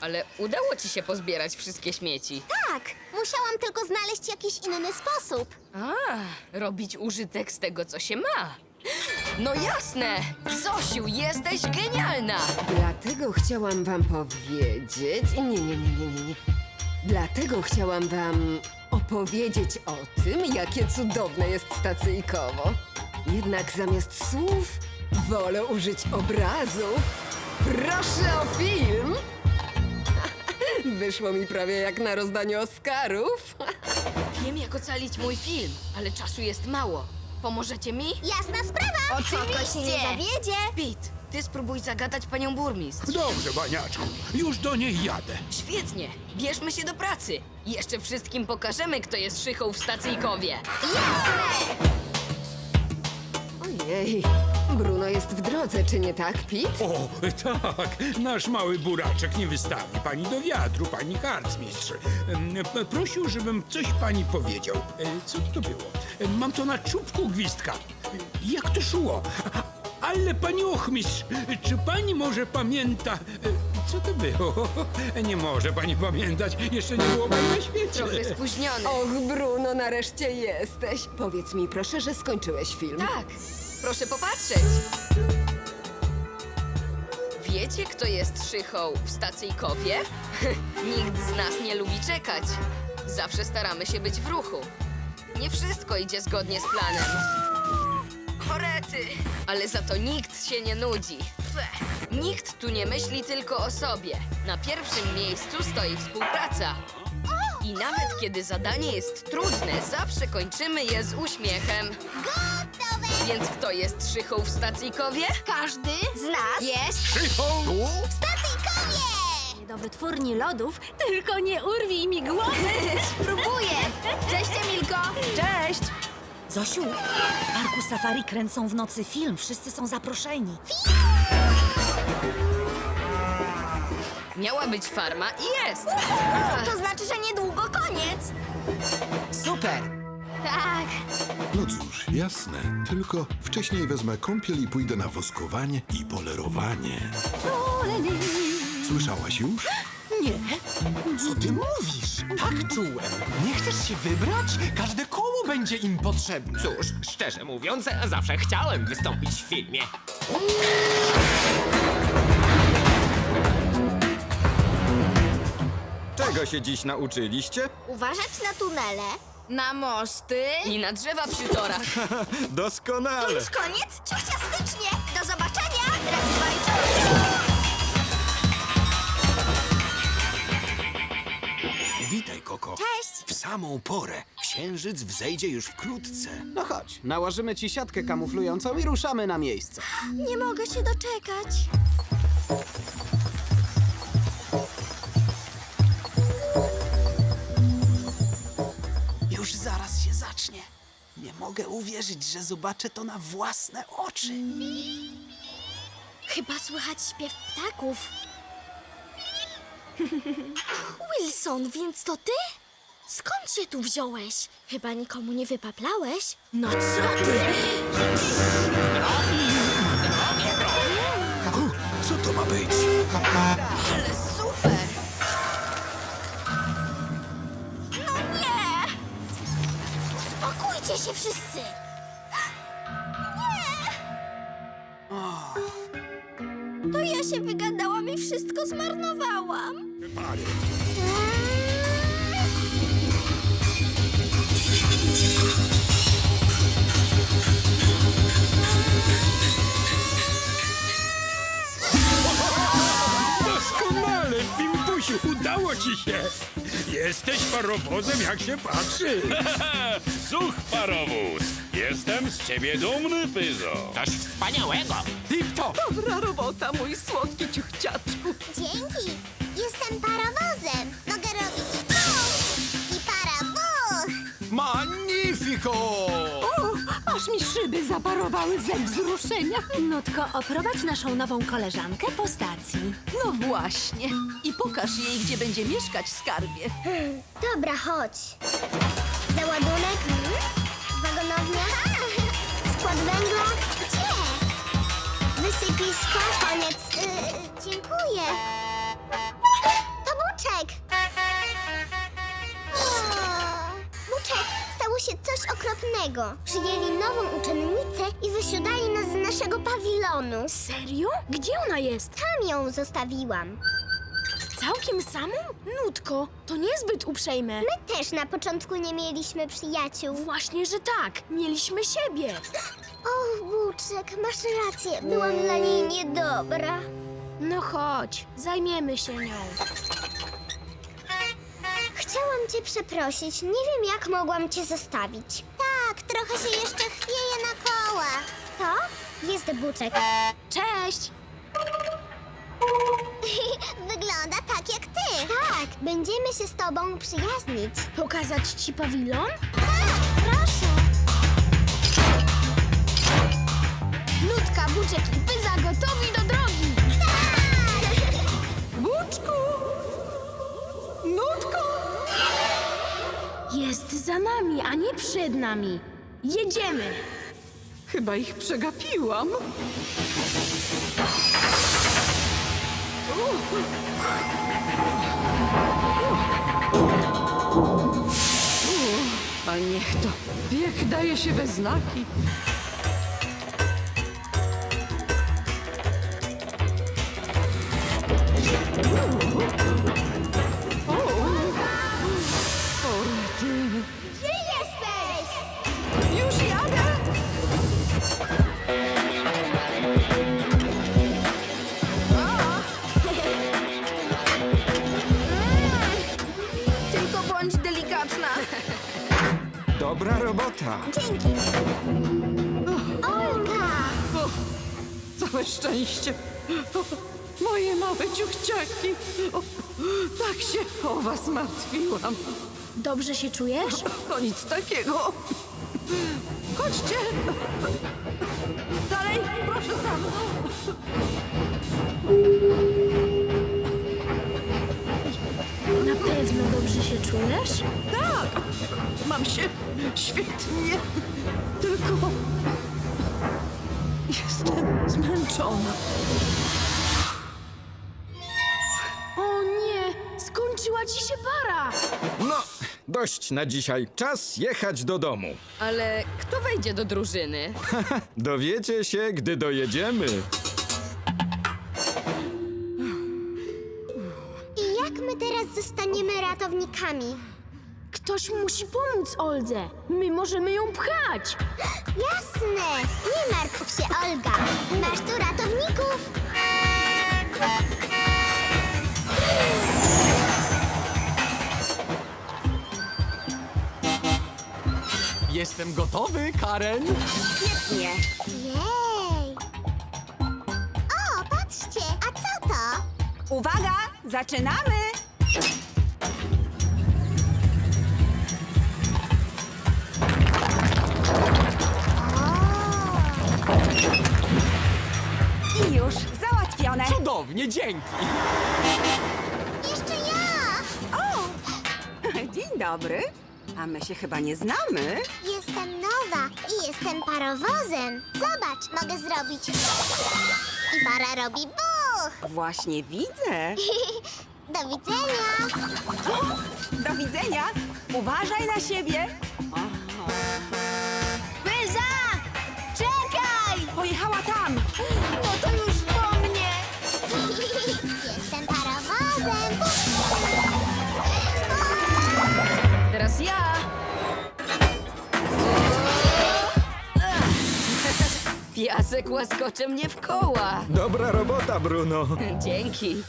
Ale udało ci się pozbierać wszystkie śmieci. Tak, musiałam tylko znaleźć jakiś inny sposób. Robić użytek z tego, co się ma. No jasne! Zosiu, jesteś genialna! Dlatego chciałam wam powiedzieć... Nie. Dlatego chciałam wam opowiedzieć o tym, jakie cudowne jest stacyjkowo. Jednak zamiast słów wolę użyć obrazów. Proszę o film! Wyszło mi prawie jak na rozdaniu Oscarów. Wiem, jak ocalić mój film, ale czasu jest mało. Pomożecie mi? Jasna sprawa! Koko się nie zawiedzie! Pete, ty spróbuj zagadać panią burmistrz. Dobrze, baniaczku. Już do niej jadę. Świetnie, bierzmy się do pracy. Jeszcze wszystkim pokażemy, kto jest szychą w stacyjkowie. Ojej, Bruno jest w drodze, czy nie tak, Pete? O, tak. Nasz mały buraczek nie wystawi pani do wiatru, pani harcmistrz. Prosił, żebym coś pani powiedział. Co to było? Mam to na czubku gwizdka. Jak to szło? Ale pani ochmistrz, czy pani może pamięta... Co to było? Nie może pani pamiętać. Jeszcze nie było pani na świecie. Trochę spóźniony. Och, Bruno, nareszcie jesteś. Powiedz mi proszę, że skończyłeś film. Tak, proszę popatrzeć. Wiecie, kto jest szychą w stacyjkowie? Nikt z nas nie lubi czekać. Zawsze staramy się być w ruchu. Nie wszystko idzie zgodnie z planem. Chorety! Ale za to nikt się nie nudzi. Nikt tu nie myśli tylko o sobie. Na pierwszym miejscu stoi współpraca. I nawet kiedy zadanie jest trudne, zawsze kończymy je z uśmiechem. Gotowe! Więc kto jest szychą w stacyjkowie? Każdy z nas jest Szychą! w stacyjkowie! Do wytwórni lodów, tylko nie urwij mi głowy. Spróbuję! Cześć, Emilko! Cześć! Zosiu, w parku safari kręcą w nocy film. Wszyscy są zaproszeni. Miała być farma i jest! To znaczy, że niedługo koniec! Super! Tak! No cóż, jasne. Tylko wcześniej wezmę kąpiel i pójdę na woskowanie i polerowanie. Słyszałaś już? Nie. Co ty mówisz? Tak czułem. Nie chcesz się wybrać? Każde koło będzie im potrzebne. Cóż, szczerze mówiąc, zawsze chciałem wystąpić w filmie. Czego się dziś nauczyliście? Uważać na tunele, na mosty. I na drzewa przy torach. Doskonale! Już koniec? Ciuchciastycznie! Do zobaczenia! Raz, dwa i trzy! Witaj, Koko. Cześć! W samą porę. Księżyc wzejdzie już wkrótce. No chodź, nałożymy ci siatkę kamuflującą i ruszamy na miejsce. Nie mogę się doczekać. Już zaraz się zacznie. Nie mogę uwierzyć, że zobaczę to na własne oczy. Chyba słychać śpiew ptaków. Wilson, więc to ty? Skąd się tu wziąłeś? Chyba nikomu nie wypaplałeś? No co ty? Co to ma być? Ale super! No nie! Uspokójcie się wszyscy! Nie! To ja się wygadałam i wszystko zmarnowałam. Pary. Doskonale, Pimpusiu, udało ci się. Jesteś parowozem, jak się patrzy. Such parowóz! Jestem z ciebie dumny, Pyzo! Coś wspaniałego! Tip-top! Dobra robota, mój słodki ciuchciaczku. Dzięki! Jestem parowozem! Mogę robić puch i parawuch! Magnifico! Aż mi szyby zaparowały ze wzruszenia. Nutko, oprowadź naszą nową koleżankę po stacji. No właśnie. I pokaż jej, gdzie będzie mieszkać, skarbie. Dobra, chodź. Załadunek? Wagonownia? Skład węgla? Gdzie? Wysypisko? Koniec. Dziękuję. świetnego. Przyjęli nową uczennicę i wysiadali nas z naszego pawilonu. Serio? Gdzie ona jest? Tam ją zostawiłam. Całkiem samą? Nutko, to niezbyt uprzejme. My też na początku nie mieliśmy przyjaciół. Właśnie, że tak. Mieliśmy siebie. O, Buczek, masz rację. Byłam dla niej niedobra. No chodź, zajmiemy się nią. Chciałam cię przeprosić. Nie wiem, jak mogłam cię zostawić. Tak, trochę się jeszcze chwieje na kołach. To jest Buczek. Cześć! Wygląda tak jak ty. Tak, będziemy się z tobą przyjaźnić. Pokazać ci pawilon? Tak, proszę. Nutka, Buczek i Pyza gotowi do drogi! Buczku! Nutko! Jest za nami, a nie przed nami. Jedziemy! Chyba ich przegapiłam. A niech to. Wiek daje się we znaki. Gdzie jesteś? Już jadę! Tylko bądź delikatna. Dobra robota. Dzięki. Olga! Całe szczęście. Moje małe ciuchciaki. O, tak się o was martwiłam. Dobrze się czujesz? To nic takiego. Chodźcie. Dalej, proszę za mną. Na pewno dobrze się czujesz? Tak, mam się świetnie. Tylko jestem zmęczona. O nie! Skończyła ci się para! No, dość na dzisiaj. Czas jechać do domu. Ale kto wejdzie do drużyny? Dowiecie się, gdy dojedziemy. I jak my teraz zostaniemy ratownikami? Ktoś musi pomóc Oldze. My możemy ją pchać. Jasne! Nie martw się, Olga. Masz tu ratowników. Jestem gotowy, Karen. Świetnie. Jej! O, patrzcie! A co to? Uwaga, zaczynamy! I już załatwione. Cudownie, dzięki. Jeszcze ja! O! Dzień dobry. A my się chyba nie znamy. Jestem nowa i jestem parowozem. Zobacz, mogę zrobić... I para robi buch! Właśnie widzę. Do widzenia! Do widzenia. Uważaj na siebie. Pyza! Czekaj! Pojechała tam. No to już po mnie! Jestem parowozem! Teraz ja. Piasek łaskocze mnie w koła. Dobra robota, Bruno. Dzięki.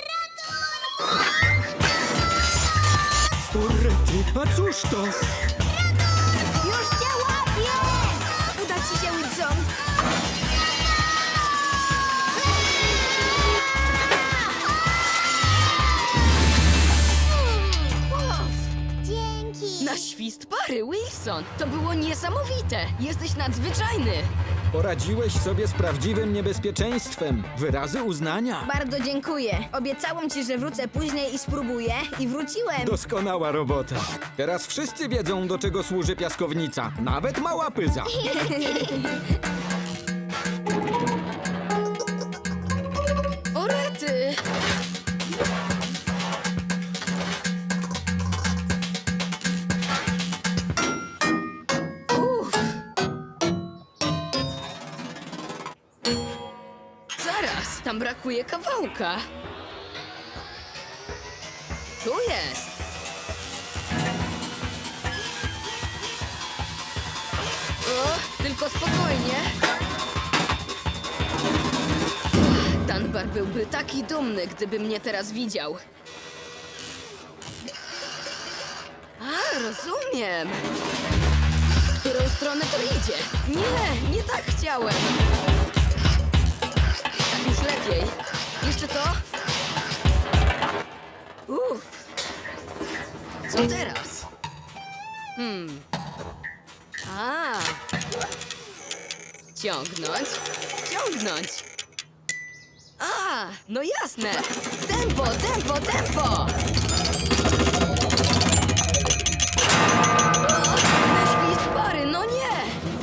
Urety, a cóż to? Już cię łapię! Uda ci się, Wilson. Dzięki! Na świst pary, Wilson. To było niesamowite. Jesteś nadzwyczajny. Poradziłeś sobie z prawdziwym niebezpieczeństwem. Wyrazy uznania. Bardzo dziękuję. Obiecałam ci, że wrócę później i spróbuję. I wróciłem. Doskonała robota. Teraz wszyscy wiedzą, do czego służy piaskownica. Nawet mała Pyza. O rety. brakuje kawałka. Tu jest. O, tylko spokojnie. Dunbar byłby taki dumny, gdyby mnie teraz widział. A, rozumiem. W którą stronę to idzie? Nie tak chciałem. Tak już lepiej. Jeszcze to? Uff. Co teraz? A. Ciągnąć. A, no jasne. Tempo. O, świst pary, no nie.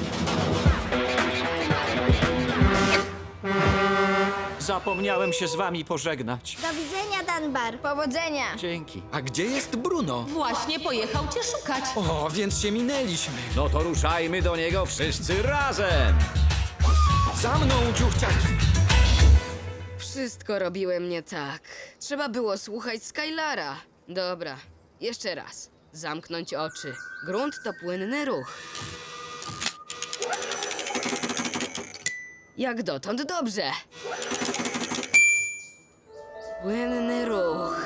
Zapomniałem się z wami pożegnać. Do widzenia, Dunbar. Powodzenia. Dzięki. A gdzie jest Bruno? Właśnie pojechał cię szukać. O, więc się minęliśmy. No to ruszajmy do niego wszyscy razem. Za mną, dziuchciaki. Wszystko robiłem nie tak. Trzeba było słuchać Skylara. Dobra, jeszcze raz. Zamknąć oczy. Grunt to płynny ruch. Jak dotąd dobrze. Płynny ruch.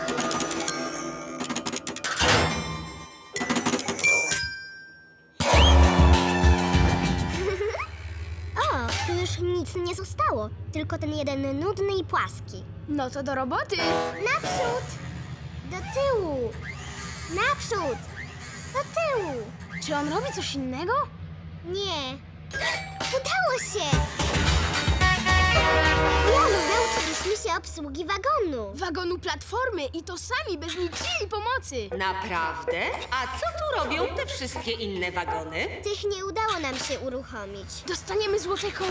O, tu już nic nie zostało. Tylko ten jeden nudny i płaski. No to do roboty. Naprzód! Do tyłu! Naprzód! Do tyłu! Czy on robi coś innego? Nie. Udało się! Jolu, nauczyliśmy się obsługi wagonu. Wagonu platformy i to sami, bez niczyjej pomocy. Naprawdę? A co tu robią te wszystkie inne wagony? Tych nie udało nam się uruchomić. Dostaniemy złote koło?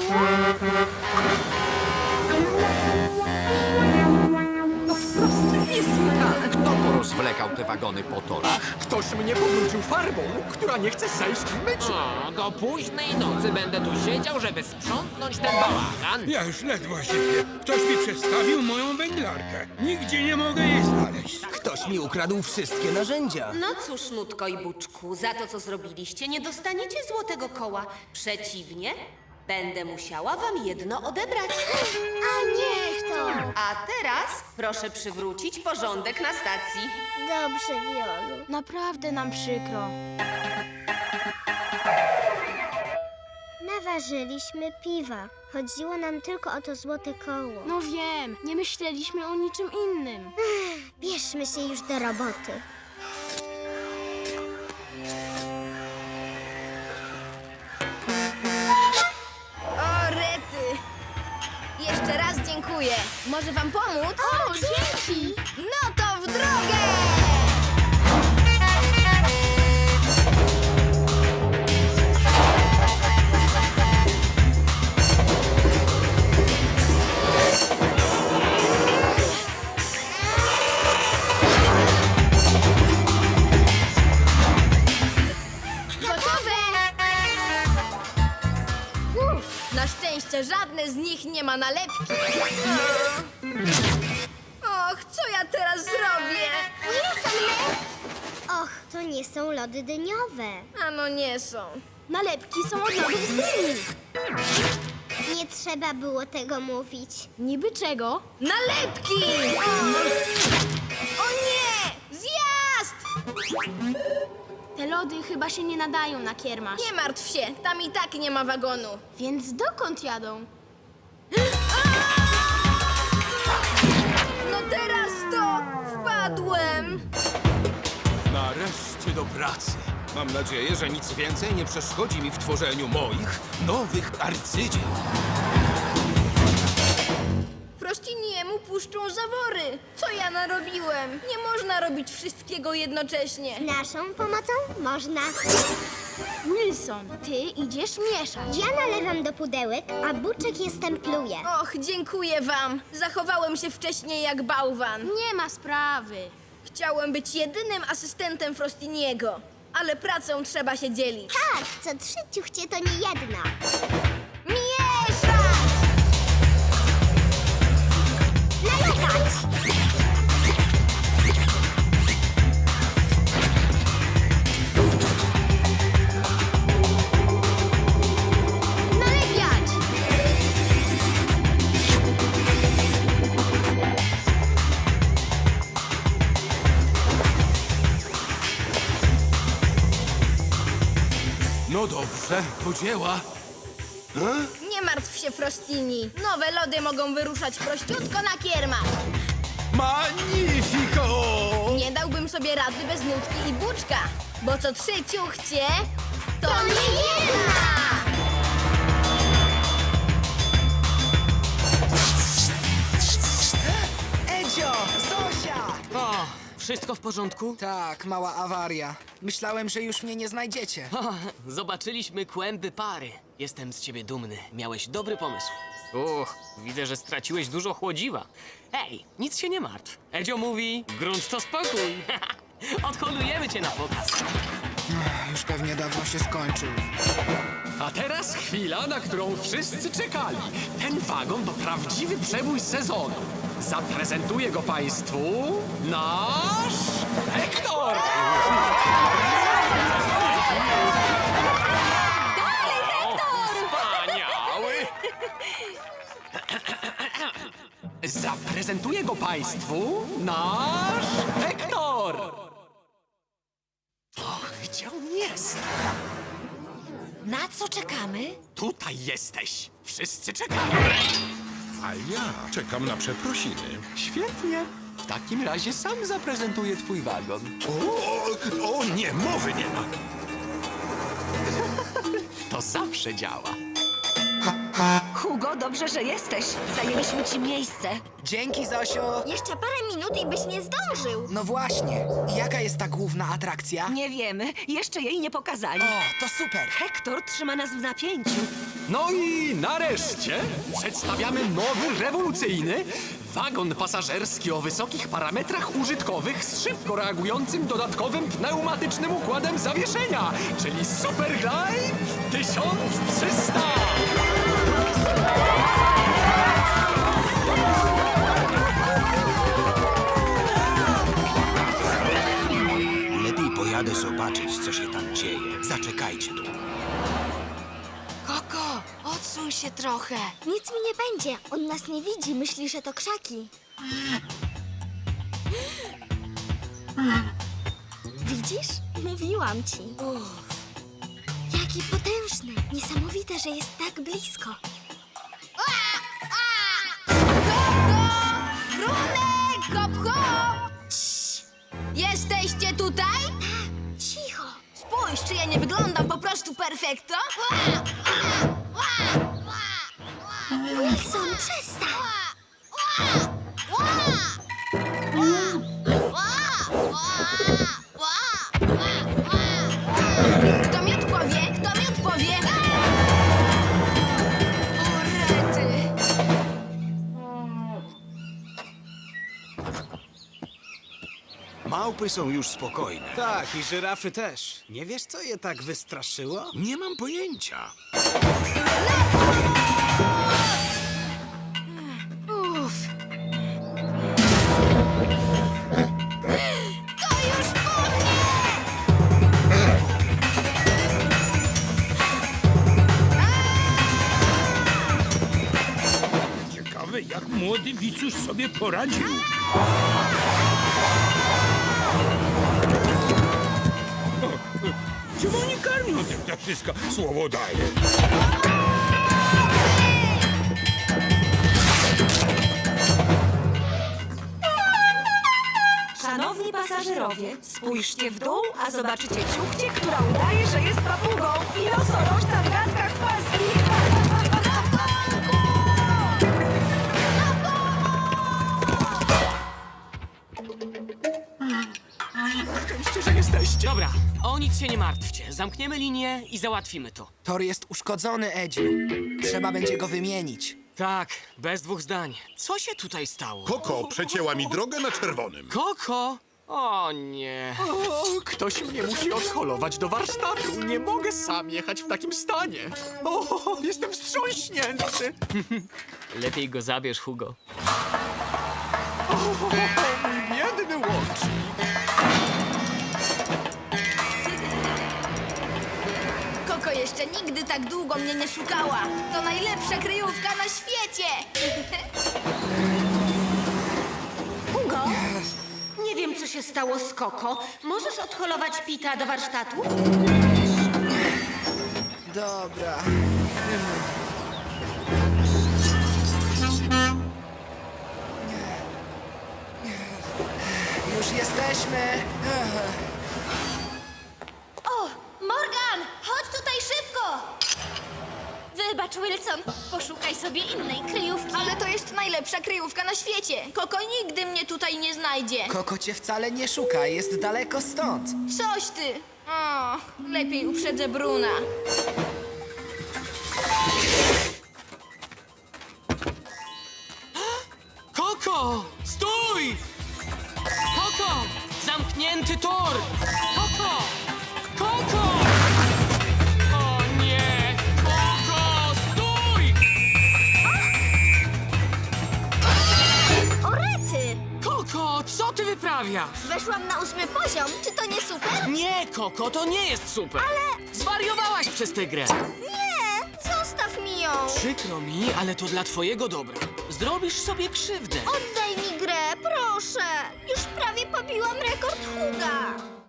Kto porozwlekał te wagony po torach? Ktoś mnie pobrudził farbą, która nie chce zejść w myciu. O, do późnej nocy będę tu siedział, żeby sprzątnąć ten bałagan. Ja już ledwo sypię. Ktoś mi przestawił moją wędlarkę. Nigdzie nie mogę jej znaleźć. Ktoś mi ukradł wszystkie narzędzia. No cóż, Nutko i Buczku, za to, co zrobiliście, nie dostaniecie złotego koła. Przeciwnie, będę musiała wam jedno odebrać. A niech to! A teraz proszę przywrócić porządek na stacji. Dobrze, Wiolu. Naprawdę nam przykro. Naważyliśmy piwa. Chodziło nam tylko o to złote koło. No wiem, nie myśleliśmy o niczym innym. Bierzmy się już do roboty. O, rety! Jeszcze raz dziękuję. Może wam pomóc? O, dzięki! No to w drogę! Na szczęście żadne z nich nie ma nalepki. Och, co ja teraz zrobię? Och, to nie są lody dyniowe. A no nie są. Nalepki są od lodów z dyni. Nie trzeba było tego mówić. Niby czego? Nalepki! O nie! Zjazd! Te lody chyba się nie nadają na kiermasz. Nie martw się, tam i tak nie ma wagonu. Więc dokąd jadą? No teraz to wpadłem. Nareszcie do pracy. Mam nadzieję, że nic więcej nie przeszkodzi mi w tworzeniu moich nowych arcydzieł. Frostiniemu puszczą zawory. Co ja narobiłem? Nie można robić wszystkiego jednocześnie. Z naszą pomocą można. Wilson, ty idziesz mieszać. Ja nalewam do pudełek, a Buczek je stempluje. Och, dziękuję wam. Zachowałem się wcześniej jak bałwan. Nie ma sprawy. Chciałem być jedynym asystentem Frostiniego, ale pracą trzeba się dzielić. Tak, co 3 ciuchcie to nie jedna. Mieszać! nalewać! Nalewiać! No dobrze, do dzieła. Nie martw się, Frostini. Nowe lody mogą wyruszać prościutko na kiermach. Magnifico! Nie dałbym sobie rady bez nutki i buczka, bo co 3 ciuchcie, to nie jedna! Edzio! Zosia! O, wszystko w porządku? Tak, mała awaria. Myślałem, że już mnie nie znajdziecie. O, zobaczyliśmy kłęby pary. Jestem z ciebie dumny. Miałeś dobry pomysł. Widzę, że straciłeś dużo chłodziwa. Ej, nic się nie martw. Edzio mówi, grunt to spokój. Odholujemy cię na pokaz. Już pewnie dawno się skończył. A teraz chwila, na którą wszyscy czekali. Ten wagon to prawdziwy przebój sezonu. Zaprezentuje go państwu nasz Hektor! Wspaniały! Zaprezentuje go państwu nasz Hektor! Och, gdzie on jest? Na co czekamy? Tutaj jesteś! Wszyscy czekają! A ja czekam na przeprosiny. Świetnie! W takim razie sam zaprezentuję twój wagon. O nie, mowy nie ma. To zawsze działa. Hugo, dobrze, że jesteś. Zajęliśmy ci miejsce. Dzięki, Zosio! Jeszcze parę minut i byś nie zdążył. No właśnie. Jaka jest ta główna atrakcja? Nie wiemy. Jeszcze jej nie pokazali. O, to super! Hektor trzyma nas w napięciu. No i nareszcie przedstawiamy nowy, rewolucyjny wagon pasażerski o wysokich parametrach użytkowych z szybko reagującym dodatkowym pneumatycznym układem zawieszenia, czyli Superglide 1300! Lepiej pojadę zobaczyć, co się tam dzieje. Zaczekajcie tu. Koko, odsuń się trochę. Nic mi nie będzie. On nas nie widzi. Myśli, że to krzaki. Widzisz? Mówiłam ci. Jaki potężny. Niesamowite, że jest tak blisko. Brunek! Hop, hop! Jesteście tutaj? Cicho. Spójrz, czy ja nie wyglądam po prostu perfekto? Wilson, przestań! Kto mi odpowie? Kto mi odpowie? O, rety! Małpy są już spokojne. Tak, i żyrafy też. Nie wiesz, co je tak wystraszyło? Nie mam pojęcia. Uff. To już po mnie! Ciekawe, jak młody Wicuś sobie poradził. Czemu nie karmią tych ptaszyska? Słowo daję. Szanowni pasażerowie, spójrzcie w dół, a zobaczycie ciuchcię, która udaje, że jest papugą i nosorożca w gadkach płaskich. Szczęście, że jesteście. Dobra, o nic się nie martwcie. Zamkniemy linię i załatwimy to. Tor jest uszkodzony, Edziu. Trzeba będzie go wymienić. Tak, bez dwóch zdań. Co się tutaj stało? Koko przecięła mi drogę na czerwonym. Koko? O nie. O, ktoś mnie musi odholować do warsztatu. Nie mogę sam jechać w takim stanie. O, jestem wstrząśnięty. Lepiej go zabierz, Hugo. Mój biedny łącznik. Koko jeszcze nigdy tak długo mnie nie szukała. To najlepsza kryjówka na świecie. Hugo, nie wiem, co się stało z Koko. Możesz odholować Pita do warsztatu? Dobra. Już jesteśmy. O, Morgan, chodź tutaj szybko! Wybacz, Wilson, poszukaj sobie innej kryjówki. Ale to jest najlepsza kryjówka na świecie. Koko nigdy mnie tutaj nie znajdzie. Koko cię wcale nie szuka, jest daleko stąd. Coś ty. O, lepiej uprzedzę Bruna. Koko! Stój! Koko! Zamknięty tor! Koko! Koko! O nie! Koko! Stój! Orety! Koko, co ty wyprawiasz? Weszłam na 8. poziom, czy to nie super? Nie, Koko, to nie jest super! Ale- Zwariowałaś przez tę grę! Nie, zostaw mi ją. Przykro mi, ale to dla twojego dobra. Zrobisz sobie krzywdę. Oddaj mi grę, proszę. Już prawie pobiłam rekord Huga.